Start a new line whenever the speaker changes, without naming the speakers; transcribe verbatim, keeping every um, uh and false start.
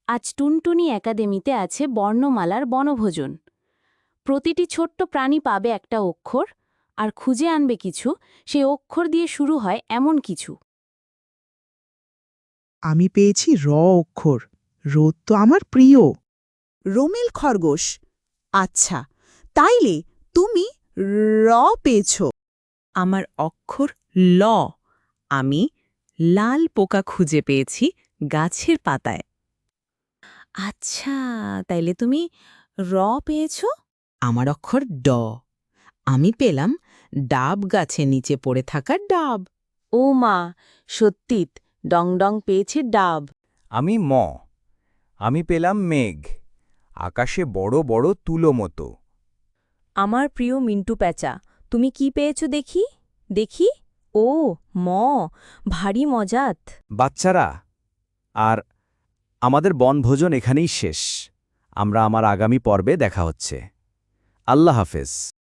আজ টুনটুনি একাডেমিতে আছে বর্ণমালার বনভোজন। প্রতিটি ছোট্ট প্রাণী পাবে একটা অক্ষর, আর খুঁজে আনবে কিছু, সেই অক্ষর দিয়ে শুরু হয় এমন কিছু।
আমি পেয়েছি র অক্ষর। রোদ তো আমার প্রিয়।
রোমেল খরগোশ। আচ্ছা, তাইলে তুমি র পেয়েছ।
আমার অক্ষর ল। আমি লাল পোকা খুঁজে পেয়েছি গাছের পাতায়। আচ্ছা, তাইলে তুমি র পেয়েছ? আমার অক্ষর ড। আমি পেলাম ডাব গাছের নিচে পড়ে থাকা ডাব।
ও মা, সত্যিত ডং ডং পেয়েছে ডাব।
আমি ম আমি পেলাম মেঘ, আকাশে বড় বড় তুলো মতো।
আমার প্রিয় মিন্টু প্যাঁচা, তুমি কি পেয়েছ দেখি দেখি ও ম, ভারী মজাত।
বাচ্চারা, আর আমাদের বনভোজন এখানেই শেষ। আমরা আমার আগামী পর্বে দেখা হচ্ছে। আল্লাহ হাফেজ।